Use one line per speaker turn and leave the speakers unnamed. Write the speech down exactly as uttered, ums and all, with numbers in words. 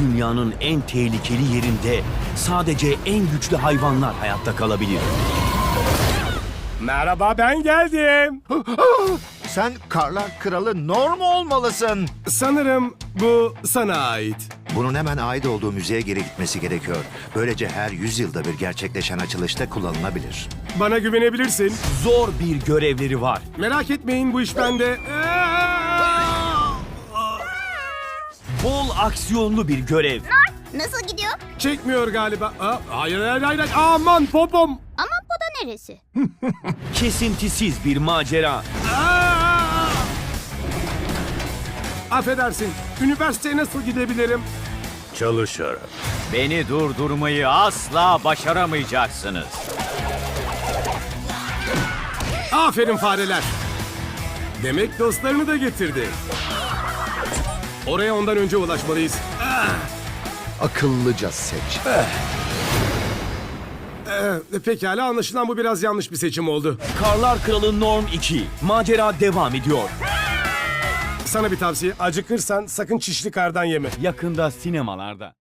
dünyanın en tehlikeli yerinde sadece en güçlü hayvanlar hayatta kalabilir.
Merhaba, ben geldim.
Sen Karlar Kralı Norm olmalısın.
Sanırım bu sana ait.
Bunun hemen ait olduğu müzeye geri gitmesi gerekiyor. Böylece her yüz yılda bir gerçekleşen açılışta kullanılabilir.
Bana güvenebilirsin.
Zor bir görevleri var.
Merak etmeyin, bu iş bende.
Bol aksiyonlu bir görev.
Nasıl gidiyor?
Çekmiyor galiba. Aa, hayır, hayır, hayır. Aman popom.
Ama bu da neresi?
Kesintisiz bir macera.
Aa! Affedersin. Üniversiteye nasıl gidebilirim?
Çalışarak.
Beni durdurmayı asla başaramayacaksınız.
Aferin fareler. Demek dostlarını da getirdi. Oraya ondan önce ulaşmalıyız.
Akıllıca seç.
Ee, pekala, anlaşılan bu biraz yanlış bir seçim oldu.
Karlar Kralı Norm iki. Macera devam ediyor.
Sana bir tavsiye. Acıkırsan sakın çişli kardan yeme.
Yakında sinemalarda.